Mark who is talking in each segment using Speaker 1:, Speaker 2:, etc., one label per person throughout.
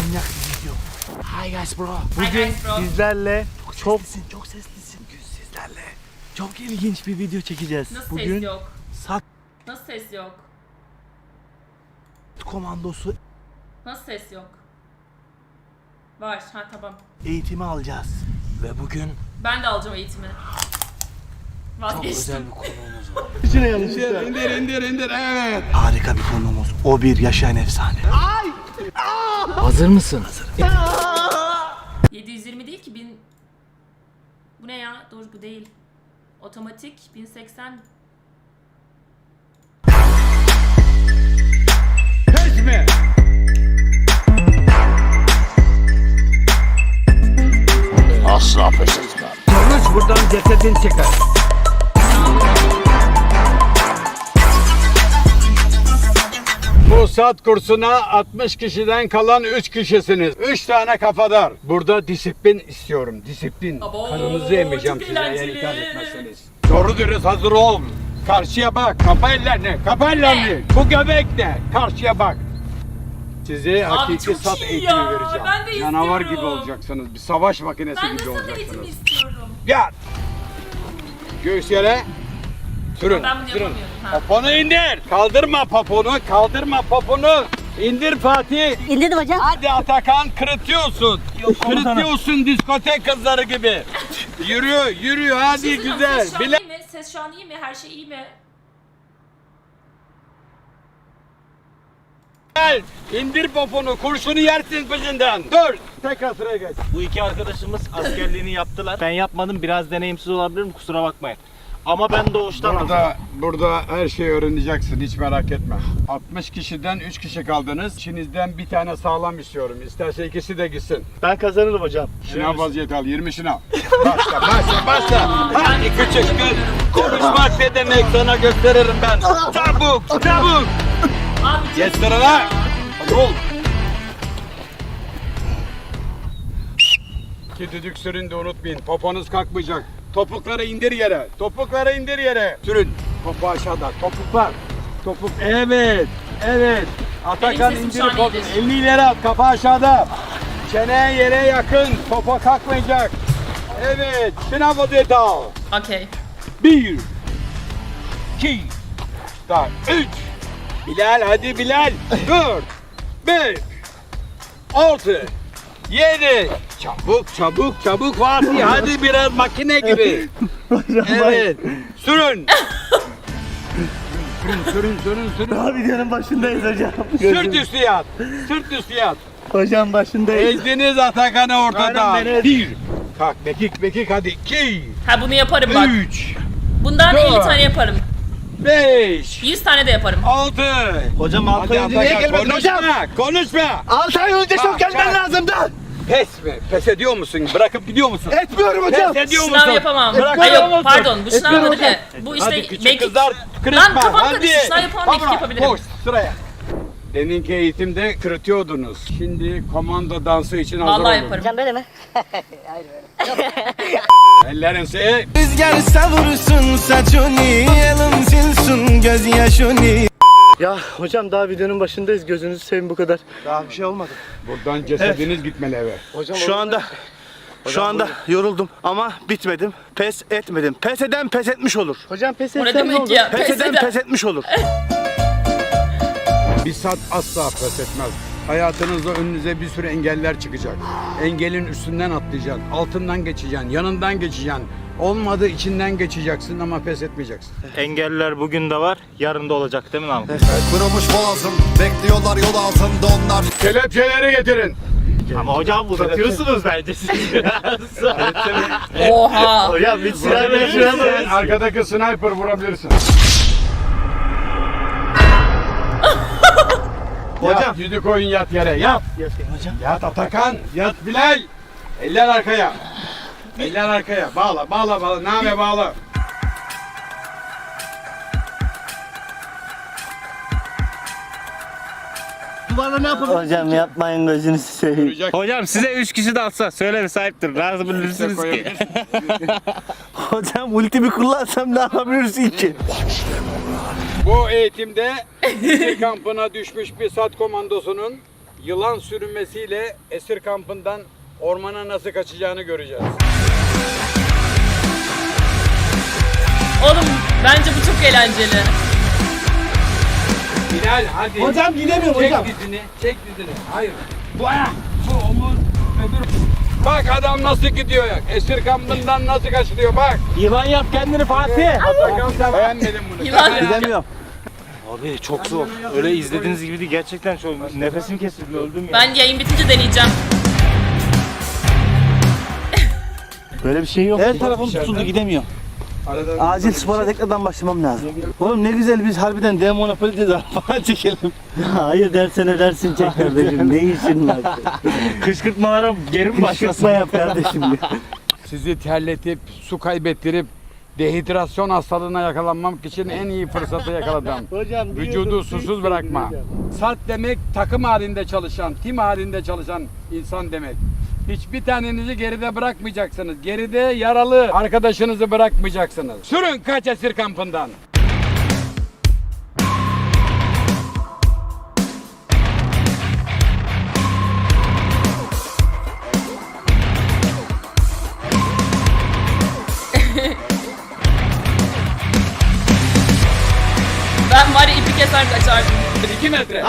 Speaker 1: manyak bir video. Hi guys bro.
Speaker 2: Bugün sizlerle
Speaker 1: Çok seslisin. Bugün sizlerle çok ilginç bir video çekeceğiz.
Speaker 2: Nasıl
Speaker 1: Bugün
Speaker 2: ses yok?
Speaker 1: SAT
Speaker 2: Nasıl ses yok?
Speaker 1: komandosu
Speaker 2: Nasıl ses yok? Var. Ha tamam.
Speaker 1: eğitimi alacağız. Ve bugün
Speaker 2: Ben de alacağım eğitimi.
Speaker 1: çok
Speaker 2: Vazgeçtim.
Speaker 1: özel bir konuğumuz var. İçine yanlışlıkla. İndir evet. Harika bir konuğumuz. O bir yaşayan efsane. Hazır mısın? Hazırım.
Speaker 2: 720 değil ki 1000. Bu ne ya? Dur bu değil. Otomatik 1080.
Speaker 3: Pes mi?
Speaker 4: Asla pes etmem.
Speaker 3: Konuş buradan cesedin çıkar. Bu SAT kursuna 60 kişiden kalan 3 kişisiniz. 3 tane kafadar. Burada disiplin istiyorum. Disiplin.
Speaker 2: Abo,
Speaker 3: Kanınızı emeceğim
Speaker 2: çok
Speaker 3: size eğer
Speaker 2: eğlenceli.
Speaker 3: itaat etmezseniz. Doğru dürüst hazır ol. Karşıya bak. Kapa ellerini. Kapa ellerini. Bu göbek ne? Karşıya bak. Size hakiki
Speaker 2: çok
Speaker 3: SAT
Speaker 2: iyi
Speaker 3: eğitimi
Speaker 2: ya.
Speaker 3: vereceğim.
Speaker 2: Ben de
Speaker 3: Canavar
Speaker 2: istiyorum.
Speaker 3: gibi olacaksınız. Bir savaş makinesi
Speaker 2: Ben de
Speaker 3: gibi
Speaker 2: sana
Speaker 3: olacaksınız.
Speaker 2: eğitimi istiyorum.
Speaker 3: Yat. Göğüs yere. Sürün.
Speaker 2: Ben bunu
Speaker 3: sürün.
Speaker 2: yapamıyorum. Ha.
Speaker 3: Poponu indir. Kaldırma poponu. Kaldırma poponu. İndir Fatih.
Speaker 5: İndirdim hocam.
Speaker 3: Hadi Atakan kırıtıyorsun. Kırıtıyorsun diskotek kızları gibi. Yürü hadi
Speaker 2: Ses
Speaker 3: güzel.
Speaker 2: şu an
Speaker 3: Bile
Speaker 2: iyi mi? Ses şu an iyi mi? Her şey iyi mi?
Speaker 3: Gel. İndir poponu. Kurşunu yersin peşinden. Dur. Tekrar sıraya geç.
Speaker 6: Bu iki arkadaşımız askerliğini yaptılar. Ben yapmadım. Biraz deneyimsiz olabilirim. Kusura bakmayın. Ama ben doğuştan
Speaker 3: Burada her şeyi öğreneceksin. Hiç merak etme. 60 kişiden 3 kişi kaldınız. İçinizden bir tane sağlam istiyorum. İsterse ikisi de gitsin.
Speaker 6: Ben kazanırım hocam.
Speaker 3: Şınav vaziyeti al. 20 şınav. Başla. Hadi küçük kız. Konuşmak ne demek sana gösteririm ben. Çabuk.
Speaker 2: Abi
Speaker 3: Geç sırana. Hadi ol. İki düdük sürün de unutmayın. Poponuz kalkmayacak. Topukları indir yere. Sürün. Topu aşağıda. Topuklar. Evet. Atakan
Speaker 2: Benim sesim
Speaker 3: indir
Speaker 2: şu an
Speaker 3: topu.
Speaker 2: iyidir.
Speaker 3: Elini ileri at. Kafa aşağıda. Çene yere yakın. Topa kalkmayacak. Evet. Şınav vaziyeti al.
Speaker 2: okey.
Speaker 3: 1 2 3 Bilal hadi Bilal 4 5 6 7 Çabuk Fatih hadi biraz makine gibi. Evet. Sürün. Sürün.
Speaker 6: Daha videonun başındayız hocam.
Speaker 3: Sırt üstü yat.
Speaker 6: Hocam başındayız.
Speaker 3: Ezdiniz Atakan'ı ortada.
Speaker 6: Aynen, beni ez.
Speaker 3: 1 Kalk mekik hadi 2
Speaker 2: Ha bunu yaparım bak.
Speaker 3: 3
Speaker 2: Bundan
Speaker 3: Dört.
Speaker 2: 50 tane yaparım.
Speaker 3: 5
Speaker 2: 100 tane de yaparım.
Speaker 3: 6
Speaker 6: Hocam 6
Speaker 3: Hadi
Speaker 6: ay önce niye
Speaker 3: Atakan
Speaker 6: gelmedin hocam?
Speaker 3: konuşma.
Speaker 6: 6 ay önce
Speaker 3: Bak,
Speaker 6: çok gelmen
Speaker 3: bak.
Speaker 6: lazımdı.
Speaker 3: Pes mi? Pes ediyor musun? Bırakıp gidiyor musun?
Speaker 6: Etmiyorum hocam.
Speaker 3: Pes ediyor
Speaker 2: Sınav
Speaker 3: musun?
Speaker 2: yapamam.
Speaker 3: Bırak
Speaker 2: Ay yok
Speaker 3: yapamazsın.
Speaker 2: pardon bu sınav
Speaker 6: Etmiyorum
Speaker 2: adı ne? Bu işte
Speaker 3: Hadi küçük
Speaker 2: mekik.
Speaker 3: kızlar kırıtma.
Speaker 2: Lan kafam
Speaker 3: Hadi.
Speaker 2: karıştı. Sınav yapamam mekik
Speaker 3: Tamam,
Speaker 2: yapabilirim.
Speaker 3: Koş sıraya. Deminki eğitimde kırıtıyordunuz. Şimdi komando dansı için hazır
Speaker 2: Vallahi
Speaker 3: olun.
Speaker 2: yaparım.
Speaker 5: Hocam böyle mi?
Speaker 3: Ellerinizi
Speaker 7: Rüzgar savursun saçını, elim silsin gözyaşını.
Speaker 6: Ya hocam daha videonun başındayız. Gözünüzü seveyim bu kadar.
Speaker 1: Daha bir şey olmadı.
Speaker 3: buradan cesediniz gitmeli eve.
Speaker 6: Şu anda yoruldum ama bitmedim. Pes etmedim. Pes eden pes etmiş olur.
Speaker 1: Hocam pes
Speaker 2: O ne
Speaker 1: etsem ne
Speaker 2: demek
Speaker 1: olur?
Speaker 2: ya?
Speaker 6: Pes eden
Speaker 2: eden.
Speaker 6: pes etmiş olur.
Speaker 3: Bir saat asla pes etmez. Hayatınızda önünüze bir sürü engeller çıkacak. Engelin üstünden atlayacaksın, altından geçeceksin, yanından geçeceksin. Olmadı içinden geçeceksin ama pes etmeyeceksin.
Speaker 6: Engeller bugün de var, yarın da olacak değil mi Namık?
Speaker 7: Kırılmış boğazım, bekliyorlar yol altında onlar.
Speaker 3: Kelepçeleri getirin.
Speaker 6: Ama hocam uzatıyorsunuz bence siz biraz.
Speaker 2: Oha.
Speaker 6: Hocam bir silahla şuraya
Speaker 3: Arkadaki sniper vurabilirsin.
Speaker 6: Hocam.
Speaker 3: Yat, yüzü koyun yat yere yat.
Speaker 6: Hocam.
Speaker 3: Yat Atakan, yat Bilal. Eller arkaya. Eller arkaya. Bağla. Name bağla.
Speaker 6: Bana ne yapalım?
Speaker 8: Hocam yapmayın gözünüzü seveyim.
Speaker 3: Görecek.
Speaker 6: Hocam size 3 kişi de atsa söyle bir sahiptir. Razı bilirsiniz ki.
Speaker 3: Koyabilirsin.
Speaker 8: Hocam ultimi kullansam ne yapabilirsin ki?
Speaker 3: Bu eğitimde Gezi kampına düşmüş bir SAT komandosunun yılan sürünmesiyle esir kampından ormana nasıl kaçacağını göreceğiz.
Speaker 2: Oğlum bence bu çok eğlenceli.
Speaker 3: Bilal hadi.
Speaker 1: Hocam gidemiyorum
Speaker 3: Çek
Speaker 1: hocam.
Speaker 3: dizini, çek dizini. Hayır. Bu ayak, bu omuz, öbür. Bak adam nasıl gidiyor ya. Esir kampından nasıl kaçılıyor bak.
Speaker 1: Yılan yap kendini Fatih.
Speaker 3: Bakalım sen beğenmedin bunu.
Speaker 2: Yılan ya.
Speaker 1: Gidemiyorum.
Speaker 8: Abi çok zor. Öyle izlediğiniz gibi değil. Gerçekten çok. Nefesim kesildi. Öldüm ya.
Speaker 2: Ben yayın bitince deneyeceğim.
Speaker 8: Böyle bir şey yok.
Speaker 1: Her tarafım tutuldu gidemiyorum. Acil spora tekrardan başlamam lazım. Oğlum ne güzel biz harbiden dev monopolide de falan çekelim.
Speaker 8: Hayır dersen dersin çek kardeşim. Ne işin var? Kışkırtmalara geri mi başlasın?
Speaker 1: Kışkırtma yap kardeşim.
Speaker 3: Sizi terletip, su kaybettirip, dehidrasyon hastalığına yakalanmamak için en iyi fırsatı yakaladım.
Speaker 1: Hocam
Speaker 3: Vücudu susuz bırakma. Salt demek takım halinde çalışan, tim halinde çalışan insan demek. Hiçbir tanenizi geride bırakmayacaksınız. Geride yaralı arkadaşınızı bırakmayacaksınız. Sürün kaç esir kampından.
Speaker 2: Ben var ya ipi keser kaçardım.
Speaker 3: 2 metre.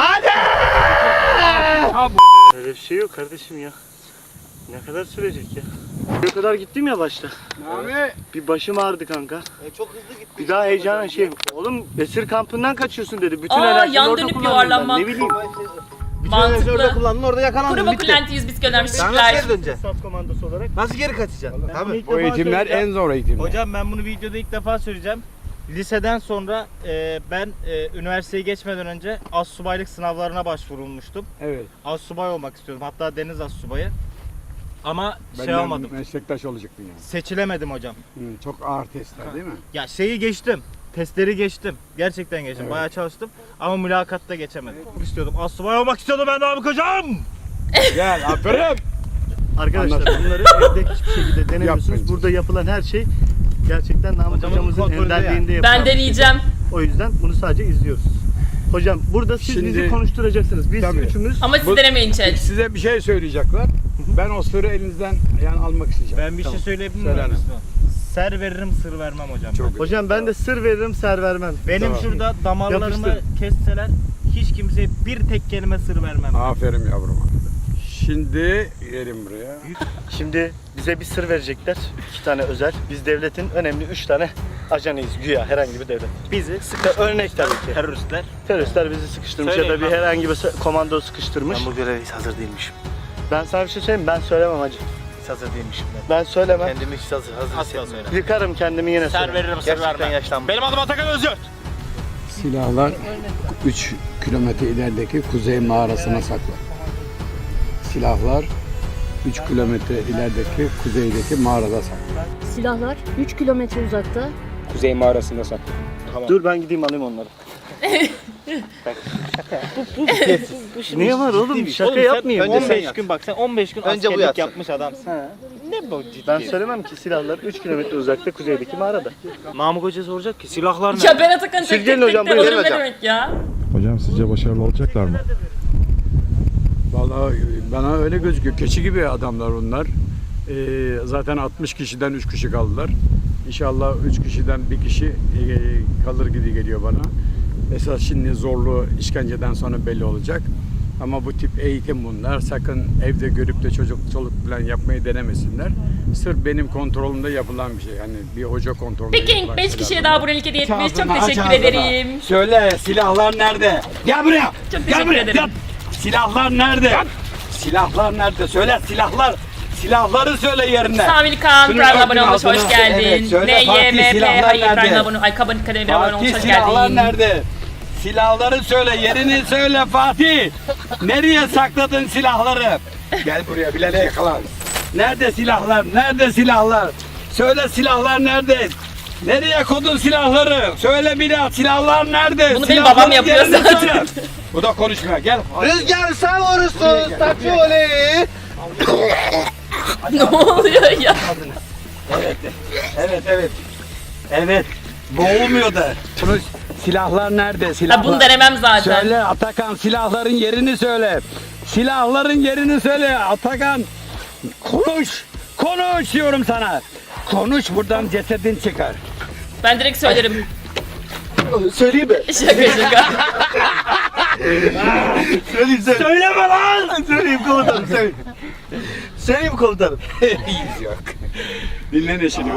Speaker 8: Öyle bir şey yok kardeşim ya. Ne kadar sürecek ya? Ne kadar gittim ya başta.
Speaker 3: Nami.
Speaker 8: Bir başım ağrıdı kanka.
Speaker 1: Çok hızlı gitti.
Speaker 8: Bir daha heyecanla oğlum esir kampından kaçıyorsun dedi. Bütün
Speaker 2: Aa,
Speaker 8: enerjini
Speaker 2: yan
Speaker 8: orada
Speaker 2: dönüp
Speaker 8: kullandın
Speaker 2: yuvarlanmak.
Speaker 8: ben. Ne bileyim.
Speaker 1: Orada
Speaker 2: Mantıklı.
Speaker 1: kullandın orada yakalandın
Speaker 2: Kuru
Speaker 1: bitti.
Speaker 2: Bokulenti 100 biz göndermiş.
Speaker 1: Sen nasıl geri döneceksin?
Speaker 8: Saf komandosu olarak.
Speaker 1: Nasıl geri kaçacaksın? Tabii.
Speaker 3: O eğitimler en zor eğitimler.
Speaker 5: Hocam ben bunu videoda ilk defa söyleyeceğim. Liseden sonra ben üniversiteye geçmeden önce astsubaylık sınavlarına başvurulmuştum.
Speaker 3: Evet.
Speaker 5: Astsubay olmak istiyordum. Hatta deniz astsubayı. Ama
Speaker 3: Benden
Speaker 5: olamadım.
Speaker 3: meslektaş olacaktın yani.
Speaker 5: Seçilemedim hocam.
Speaker 3: Çok ağır testler değil mi?
Speaker 5: Ya şeyi geçtim. Testleri geçtim. Gerçekten geçtim.
Speaker 3: Evet.
Speaker 5: Bayağı çalıştım. Ama mülakatta geçemedim. İstiyordum. Astsubay olmak istiyordum ben Namık hocam.
Speaker 3: Gel aferin.
Speaker 8: Arkadaşlar
Speaker 3: Anladım.
Speaker 8: bunları evde hiçbir şekilde denemiyorsunuz.
Speaker 3: Yapmayın.
Speaker 8: Burada yapılan her şey gerçekten Namık
Speaker 5: Hocamın
Speaker 8: hocamızın
Speaker 5: kontrolü
Speaker 8: önderliğinde yapılan
Speaker 2: Ben
Speaker 8: bir şey.
Speaker 2: deneyeceğim.
Speaker 8: O yüzden bunu sadece izliyoruz. Hocam burada siz
Speaker 3: Şimdi-
Speaker 8: bizi konuşturacaksınız. Biz
Speaker 3: Tabii.
Speaker 8: üçümüz
Speaker 2: Ama siz
Speaker 3: Bu-
Speaker 2: denemeyin chat.
Speaker 3: Size bir şey söyleyecekler. Ben o sırrı elinizden yani almak isteyeceğim.
Speaker 5: Ben bir şey söyleyebilir
Speaker 3: Söyle
Speaker 5: miyim?
Speaker 3: hanım.
Speaker 5: Ser veririm sır vermem hocam.
Speaker 3: Çok
Speaker 5: ben.
Speaker 8: hocam ben de sır veririm, ser vermem.
Speaker 5: Benim
Speaker 3: Tamam.
Speaker 5: şurada damarlarımı
Speaker 8: Yapıştır.
Speaker 5: kesseler hiç kimseye bir tek kelime sır vermem.
Speaker 3: Aferin yavrum. Şimdi gelin buraya.
Speaker 8: Şimdi bize bir sır verecekler. 2 tane özel. Biz devletin önemli 3 tane ajanıyız güya herhangi bir devlet. Bizi örnek tabii ki.
Speaker 5: Teröristler.
Speaker 8: Teröristler bizi sıkıştırmış
Speaker 5: Söyleyin
Speaker 8: ya da bir
Speaker 5: lan.
Speaker 8: herhangi bir komando sıkıştırmış.
Speaker 6: Ben bu göreve hiç hazır değilmişim.
Speaker 8: Ben sana bir şey söyleyeyim mi? Ben söylemem hacı.
Speaker 6: Hiç hazır değilmişim ben.
Speaker 8: Ben söylemem.
Speaker 6: Kendimi hiç hazır hissetmiyorum.
Speaker 8: Yıkarım kendimi yine
Speaker 5: Ser
Speaker 8: söylemem.
Speaker 5: veririm sır
Speaker 6: Gerçekten
Speaker 5: vermem.
Speaker 6: yaşlandım.
Speaker 5: Benim adım Atakan Özyurt.
Speaker 3: Silahlar 3 kilometre ilerideki kuzey mağarasına saklı. Silahlar 3 kilometre ilerideki kuzeydeki mağarada saklı.
Speaker 9: Silahlar 3 kilometre uzakta.
Speaker 5: Kuzey mağarasında saklı.
Speaker 8: Dur ben gideyim alayım onları. Niye var oğlum? Şaka yapmayayım.
Speaker 5: Önce 15 gün bak sen 15 gün
Speaker 1: Önce bu
Speaker 5: askerlik
Speaker 1: yatsın.
Speaker 5: yapmış adamsın. Ne bu ciddi?
Speaker 8: Ben söylemem ki silahlar 3 kilometre uzakta kuzeydeki mağarada.
Speaker 5: Namık Hoca soracak ki silahlar ne?
Speaker 2: Ya ben Atakan'ı
Speaker 8: Siz
Speaker 2: tek
Speaker 8: gelin
Speaker 2: tek
Speaker 8: hocam,
Speaker 2: tek
Speaker 8: buyurun
Speaker 2: alırım ne
Speaker 1: hocam.
Speaker 2: demek ya?
Speaker 7: Hocam sizce başarılı olacaklar mı?
Speaker 3: Vallahi bana öyle gözüküyor. Keçi gibi adamlar onlar. Zaten 60 kişiden 3 kişi kaldılar. İnşallah 3 kişiden bir kişi kalır gibi geliyor bana. Esas şimdi zorlu işkenceden sonra belli olacak. Ama bu tip eğitim bunlar. Sakın evde görüp de çoluk falan yapmayı denemesinler. Sırf benim kontrolümde yapılan bir şey. Yani bir hoca kontrolünde
Speaker 2: Peki
Speaker 3: yapılan
Speaker 2: 5
Speaker 3: şeyler
Speaker 2: kişiye
Speaker 3: bunlar.
Speaker 2: daha abonelik hediye etmiş. Çok
Speaker 3: Aç
Speaker 2: teşekkür
Speaker 3: ağzını.
Speaker 2: ederim.
Speaker 3: Söyle silahlar nerede? Gel buraya.
Speaker 2: Çok
Speaker 3: Gel
Speaker 2: teşekkür
Speaker 3: buraya.
Speaker 2: ederim.
Speaker 3: Gel. Silahlar nerede? Silahlar nerede? Söyle silahlar. Silahları söyle yerine.
Speaker 2: Sami Kaan
Speaker 3: Şunu
Speaker 2: Prime
Speaker 3: örtün
Speaker 2: abone olmuş.
Speaker 3: altına.
Speaker 2: Hoş geldin.
Speaker 3: Evet, söyle Fatih,
Speaker 2: NYMP
Speaker 3: silahlar
Speaker 2: hayır
Speaker 3: nerede?
Speaker 2: Prime abone. Ay Kabın Kademir abone olmuş.
Speaker 3: Fatih
Speaker 2: Hoş
Speaker 3: silahlar
Speaker 2: geldin.
Speaker 3: nerede? Silahları söyle, yerini söyle Fatih. Nereye sakladın silahları? Gel buraya Bilal'e yakalan. Nerede silahlar? Nerede silahlar? Söyle silahlar nerede? Nereye koydun silahları? Söyle Bilal silahlar nerede?
Speaker 2: Bunu benim
Speaker 3: Silahların
Speaker 2: babam yapıyor
Speaker 3: yerini
Speaker 2: zaten.
Speaker 3: söyle. Bu da konuşmuyor. Gel.
Speaker 1: Rüzgar sen vurursun. Saçoli.
Speaker 2: Ne oluyor ya?
Speaker 3: Evet. Evet. Boğulmuyor da. Bunu silahlar nerede? Silahlar.
Speaker 2: Ha, bunu denemem zaten.
Speaker 3: Söyle Atakan silahların yerini söyle. Silahların yerini söyle Atakan. Konuş. Konuş diyorum sana. Konuş, buradan cesedin çıkar.
Speaker 2: Ben direkt söylerim.
Speaker 1: Söyleyeyim mi?
Speaker 2: Şaka şaka.
Speaker 1: Söyleyeyim. Söyleme lan! Söyleyeyim komutanım, söyleyeyim. Söyleyeyim komutanım.
Speaker 3: İyiyiz yok. Dinle neşeni.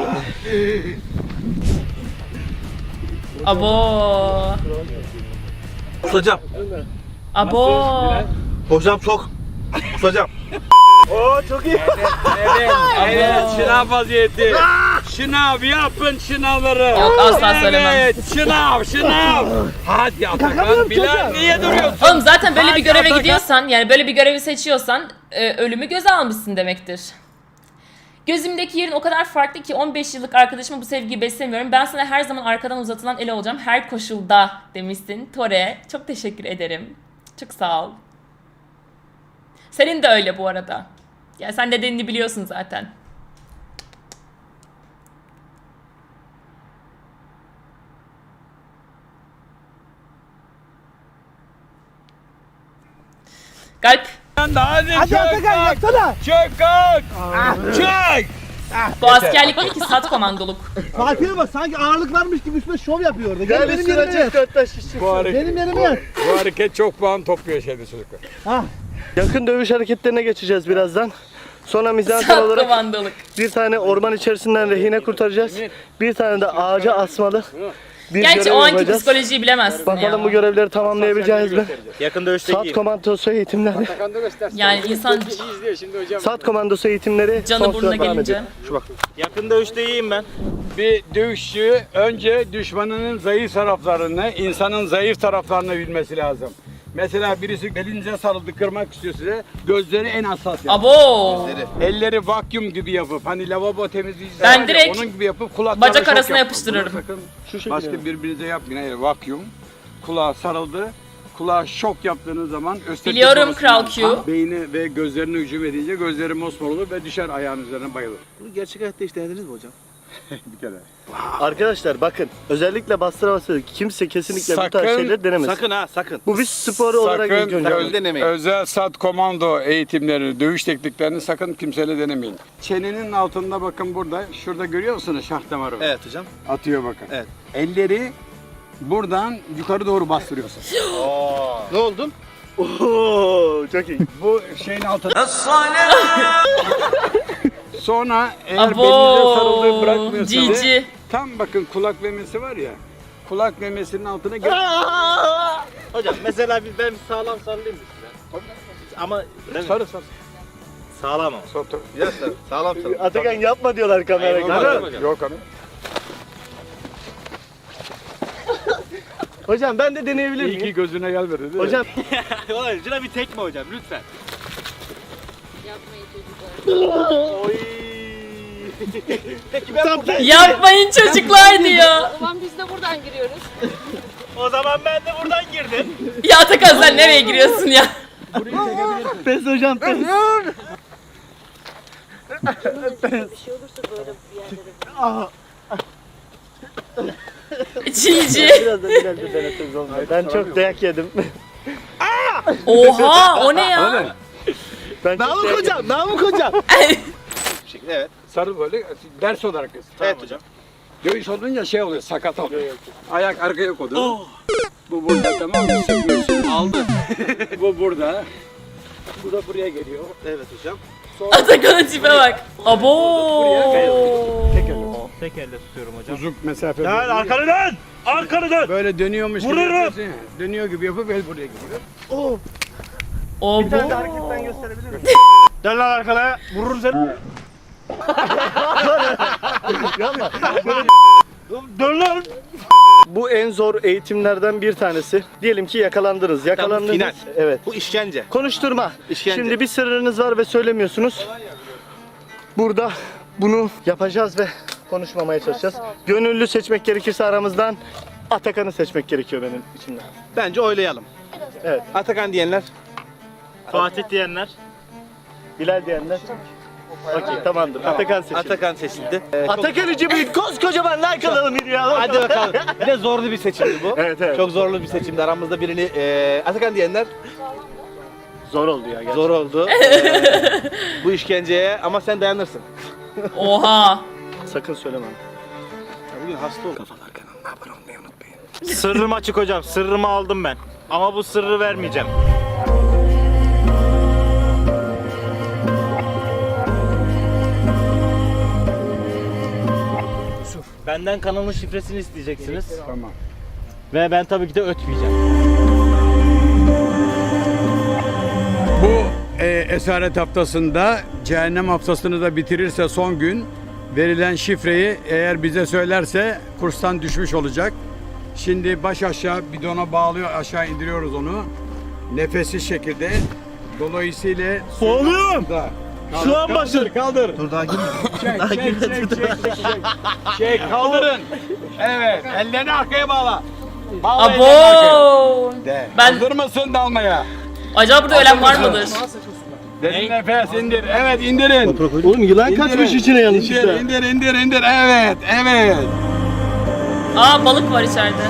Speaker 2: Abo.
Speaker 1: Hocam.
Speaker 2: Abo.
Speaker 1: Hocam çok. Hocam. Oo çok iyi.
Speaker 3: Evet, şınav vaziyeti. Şınav yapın şınavları.
Speaker 2: Yok, asla söylemem.
Speaker 3: Evet, şınav. Hadi Atakan, Bilal niye duruyorsun?
Speaker 2: Oğlum zaten böyle bir göreve
Speaker 3: Atakan.
Speaker 2: gidiyorsan, yani böyle bir görevi seçiyorsan ölümü göze almışsın demektir. Gözümdeki yerin o kadar farklı ki 15 yıllık arkadaşıma bu sevgiyi beslemiyorum. Ben sana her zaman arkadan uzatılan el olacağım. Her koşulda demişsin. Tore, çok teşekkür ederim. Çok sağ ol. Senin de öyle bu arada. Yani sen nedenini biliyorsun zaten. Galp.
Speaker 3: Hadi Atakan yaksana. Çök kalk. Çök.
Speaker 2: Bu askerlik değil ki sat komandoluk.
Speaker 1: Fatih'e bak, sanki ağırlık varmış gibi üstüne şov yapıyor orada. Gel benim yerime yat. Benim yerime yat.
Speaker 3: Bu hareket çok puan topluyor şeyde çocuklar.
Speaker 8: Yakın dövüş hareketlerine geçeceğiz birazdan. Sonra mizansen
Speaker 2: Sat
Speaker 8: olarak
Speaker 2: komandoluk.
Speaker 8: bir tane orman içerisinden rehine kurtaracağız. Bir tane de ağaca asmalı bir
Speaker 2: Gerçi
Speaker 8: görev
Speaker 2: o anki
Speaker 8: yapacağız.
Speaker 2: psikolojiyi bilemezsin
Speaker 8: Bakalım
Speaker 2: ya.
Speaker 8: bu görevleri tamamlayabileceğiz mi?
Speaker 5: Yakın dövüşte
Speaker 8: SAT komandosu eğitimleri.
Speaker 2: Yani insan
Speaker 8: SAT komandosu eğitimleri
Speaker 2: canı
Speaker 8: son
Speaker 2: burnuna
Speaker 8: sürat devam
Speaker 2: gelince.
Speaker 8: ediyor.
Speaker 5: yakın dövüşte iyiyim ben.
Speaker 3: Bir dövüşçü önce düşmanının zayıf taraflarını, insanın zayıf taraflarını bilmesi lazım. Mesela birisi belinize sarıldı, kırmak istiyor size. Gözleri en hassas yapın.
Speaker 2: Abo.
Speaker 3: Elleri vakyum gibi yapıp, hani lavabo temizleyicisi
Speaker 2: Ben
Speaker 3: var ya,
Speaker 2: direkt
Speaker 3: onun gibi yapıp kulaklarına
Speaker 2: bacak
Speaker 3: şok
Speaker 2: arasına
Speaker 3: yapın.
Speaker 2: yapıştırırım.
Speaker 3: Bunu sakın başka birbirinize yapmayın. Hayır, vakyum. Kulağa sarıldı. Kulağa şok yaptığınız zaman
Speaker 2: Biliyorum Kral Q.
Speaker 3: beyni ve gözlerine hücum edince gözleri mosmor olur ve düşer ayağın üzerine bayılır.
Speaker 1: Bunu gerçek hayatta hiç denediniz mi hocam?
Speaker 3: Bir kere.
Speaker 8: Arkadaşlar bakın, özellikle bastıra bastıra kimse kesinlikle bu
Speaker 3: Sakın-
Speaker 8: tarz şeyleri denemesin.
Speaker 1: Sakın ha, sakın.
Speaker 8: Bu bir spor olarak ilk önce.
Speaker 3: Özel SAT komando eğitimleri, dövüş tekniklerini sakın kimseyle denemeyin. Çenenin altında bakın burada, şurada görüyor musunuz şah damarı?
Speaker 1: Evet hocam.
Speaker 3: Atıyor bakın.
Speaker 1: Evet.
Speaker 3: Elleri buradan yukarı doğru bastırıyorsun.
Speaker 1: Ne oldun?
Speaker 8: Oo, çok iyi.
Speaker 3: Bu şeyin altında. Sonra eğer
Speaker 2: Abo.
Speaker 3: belinize sarıldığı bırakmıyorsanız
Speaker 2: Cici.
Speaker 3: tam bakın kulak memesi var ya. Kulak memesinin altına gel.
Speaker 5: Hocam mesela ben sağlam sarılayım mı size? Ama
Speaker 3: Sarı sarı.
Speaker 5: sağlam ama.
Speaker 1: Yes sir. Sağlam sağlam.
Speaker 8: Atakan yapma diyorlar kameraya.
Speaker 3: Yok abi.
Speaker 8: Hocam ben de deneyebilir
Speaker 3: İyi ki
Speaker 8: miyim?
Speaker 3: gözüne gelmedi değil mi?
Speaker 8: Hocam
Speaker 5: Şuna bir tekme hocam lütfen.
Speaker 2: Yapmayın çocuklar diyor.
Speaker 9: O zaman biz de buradan giriyoruz.
Speaker 5: O zaman ben de buradan girdim.
Speaker 2: Ya Atakan sen nereye giriyorsun ya?
Speaker 8: pes hocam pes.
Speaker 2: Cici.
Speaker 8: Biraz da ileride deneseniz olmuyor. Ben çok dayak yedim.
Speaker 2: Oha o ne ya?
Speaker 8: Ben çok
Speaker 1: Namık
Speaker 8: dayak
Speaker 1: hocam, Namık hocam.
Speaker 3: Evet. Sarı böyle ders olarak göster.
Speaker 1: Evet hocam.
Speaker 3: Dövüş olunca şey oluyor, sakat oluyor. Ayak arkaya koydu. Bu burada, tamam mı? Sıkıyorsun.
Speaker 1: Aldı.
Speaker 3: Bu burada. Bu da buraya geliyor.
Speaker 1: Evet hocam.
Speaker 2: Atakan'ın tipe bak. Abo.
Speaker 5: Tek elle tutuyorum hocam.
Speaker 3: Uzun mesafe.
Speaker 5: Dön arkanı dön! Arkanı dön!
Speaker 3: Böyle dönüyormuş gibi
Speaker 5: Vururum.
Speaker 3: yapıyorsun ya. Dönüyor gibi yapıp el buraya geliyor.
Speaker 2: Abo.
Speaker 8: hareketten gösterebilir miyim?
Speaker 5: Dön lan arkana! Vururum seni! Dön lan!
Speaker 8: Bu en zor eğitimlerden bir tanesi. Diyelim ki yakalandınız. Yakalandınız.
Speaker 1: final.
Speaker 8: Evet.
Speaker 1: Bu işkence.
Speaker 8: Konuşturma.
Speaker 1: İşkence.
Speaker 8: Şimdi bir sırrınız var ve söylemiyorsunuz. Burada bunu yapacağız ve konuşmamaya çalışacağız. Gönüllü seçmek gerekirse aramızdan Atakan'ı seçmek gerekiyor benim içimden.
Speaker 1: Bence oylayalım.
Speaker 8: Evet.
Speaker 1: Atakan diyenler.
Speaker 5: Fatih diyenler.
Speaker 8: Bilal diyenler. Okey tamamdır. Atakan seçildi.
Speaker 1: Atakan seçildi.
Speaker 8: Atakan için koskocaman like alalım ya.
Speaker 1: Hadi bakalım. Bir de zorlu bir seçimdi bu.
Speaker 8: Evet evet.
Speaker 1: Çok zorlu bir seçimdi. Aramızda birini Atakan diyenler.
Speaker 8: Zor oldu ya gerçekten.
Speaker 6: Zor oldu. Bu işkenceye ama sen dayanırsın.
Speaker 2: Oha.
Speaker 8: Sakın söyleme.
Speaker 6: Bugün hasta oldum. Kafalar kanalına abone olmayı unutmayın.
Speaker 5: Sırrım açık hocam. Sırrımı aldım ben. Ama bu sırrı vermeyeceğim. Benden kanalın şifresini isteyeceksiniz.
Speaker 3: Tamam.
Speaker 5: Ve ben tabii ki de ötmeyeceğim.
Speaker 3: Bu esaret haftasında cehennem haftasını da bitirirse son gün verilen şifreyi eğer bize söylerse kurstan düşmüş olacak. Şimdi baş aşağı bidona bağlıyor, aşağı indiriyoruz onu. Nefessiz şekilde. Dolayısıyla
Speaker 8: Oğlum! Şu an başladı.
Speaker 3: Kaldır.
Speaker 6: Dur daha girme.
Speaker 3: Çek, kaldırın. Evet, ellerini arkaya bağla. Bağla ellerini arkaya.
Speaker 2: Abo.
Speaker 3: De.
Speaker 2: Ben-
Speaker 3: Hazır mısın dalmaya?
Speaker 2: Acaba burada ölen var mıdır?
Speaker 3: Derin nefes indir. Evet, indirin.
Speaker 8: Oğlum yılan
Speaker 3: İndirin.
Speaker 8: kaçmış içine yanlışlıkla.
Speaker 3: İndir. Evet, evet.
Speaker 2: Aa, balık var içeride.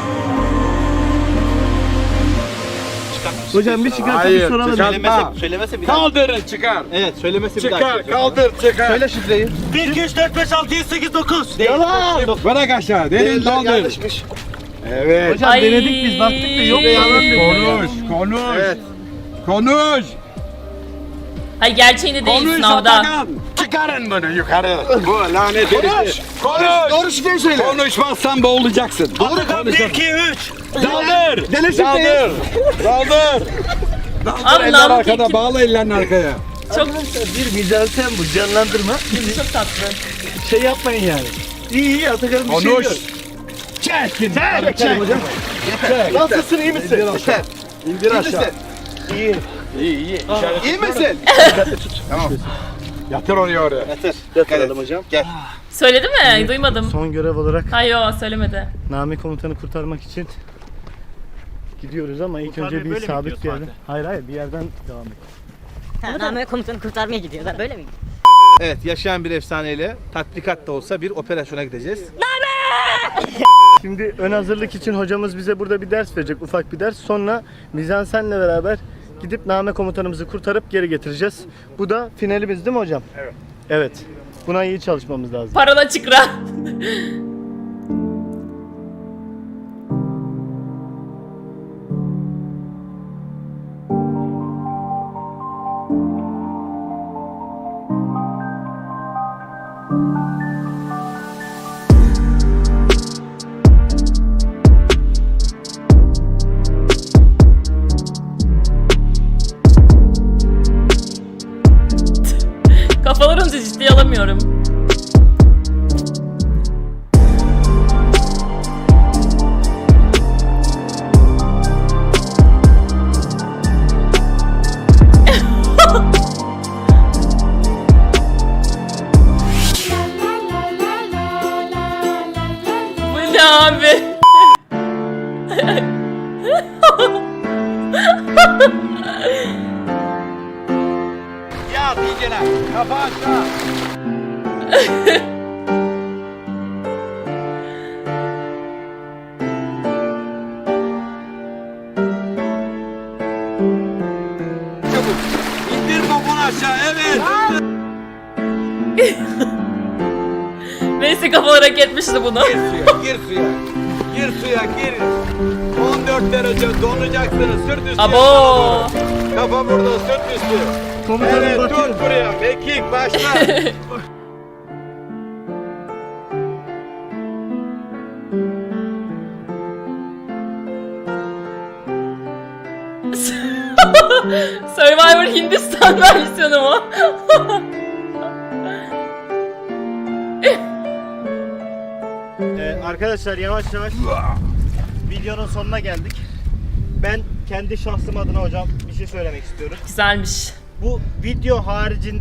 Speaker 8: Hocam bir çıkartıp bir soralım.
Speaker 6: Söylemese bir daha.
Speaker 3: Kaldırın, çıkar.
Speaker 6: Evet söylemese bir daha.
Speaker 3: Çıkar, kaldır, çıkar.
Speaker 6: Söyle şifreyi.
Speaker 5: 1, 2, 3, 4, 5, 6, 7, 8, 9.
Speaker 8: Yalan!
Speaker 3: Bırak aşağı, derin
Speaker 6: Değiller
Speaker 3: kaldır.
Speaker 6: yanlışmış.
Speaker 3: Evet.
Speaker 8: Hocam
Speaker 2: Ay.
Speaker 8: denedik biz baktık da yok yalan dedi.
Speaker 3: Konuş.
Speaker 6: Evet.
Speaker 3: Konuş.
Speaker 2: Hayır, gerçeğini değil
Speaker 3: Konuş
Speaker 2: sınavda.
Speaker 3: Atakan. Çıkarın bunu yukarı. Bu lanet herif. Konuş.
Speaker 6: Doğru şifreyi söyle.
Speaker 3: Konuşmazsan boğulacaksın.
Speaker 5: Atakan 1, 2, 3.
Speaker 3: Daldır.
Speaker 6: Dene şifreyi.
Speaker 3: Daldır.
Speaker 2: Abi
Speaker 3: Eller
Speaker 2: Namık
Speaker 3: arkada,
Speaker 2: Ekim
Speaker 3: bağla ellerini arkaya.
Speaker 2: çok
Speaker 8: Bir mizansen bu canlandırma.
Speaker 2: çok tatlı.
Speaker 8: Şey yapmayın yani. İyi Atakan'ın bir şey
Speaker 3: Konuş.
Speaker 8: yok.
Speaker 3: Çek.
Speaker 8: Çek hocam. Nasılsın iyi misin?
Speaker 6: Yeter.
Speaker 3: İndir aşağı.
Speaker 8: İyi.
Speaker 3: İyi.
Speaker 6: İyi misin?
Speaker 3: Tamam. Yatır onu oraya.
Speaker 6: Yeter.
Speaker 8: Yatıralım hocam.
Speaker 6: Gel.
Speaker 2: Söyledi mi? Duymadım.
Speaker 8: Son görev olarak
Speaker 2: Hayır, yo, söylemedi.
Speaker 8: Nami komutanı kurtarmak için gidiyoruz ama ilk
Speaker 5: Kurtarmaya
Speaker 8: önce bir
Speaker 5: böyle mi
Speaker 8: sabit bir
Speaker 5: gidiyorsun
Speaker 8: yerden. Hayır bir yerden devam et.
Speaker 9: Name komutanı kurtarmaya gidiyorlar. Böyle mi?
Speaker 6: Evet yaşayan bir efsaneyle tatbikat da olsa bir operasyona gideceğiz.
Speaker 8: Şimdi ön hazırlık için hocamız bize burada bir ders verecek, ufak bir ders. Sonra mizansenle beraber gidip Name komutanımızı kurtarıp geri getireceğiz. Bu da finalimiz değil mi hocam? Evet. Evet. Buna iyi çalışmamız lazım.
Speaker 2: Parola çıkra. Kafalarınızı ciddiye alamıyorum. Bu ne abi?
Speaker 3: Yat iyicene. Kafa aşağı. Çabuk. İndir poponu aşağı. Evet.
Speaker 2: Neyse, kafalar hak etmişti bunu.
Speaker 3: Gir suya. Gir suya. Gir. 14 derece donacaksınız. Sırt üstü.
Speaker 2: Abo.
Speaker 3: yatağına doğru. Kafa burada. Sırt üstü.
Speaker 8: Komutanım
Speaker 3: Evet
Speaker 8: bakıyorum.
Speaker 3: tut buraya. Mekik başla.
Speaker 2: Survivor Hindistan versiyonu mu?
Speaker 5: Arkadaşlar yavaş yavaş videonun sonuna geldik. Ben kendi şahsım adına hocam bir şey söylemek istiyorum.
Speaker 2: Güzelmiş.
Speaker 5: Bu video haricinde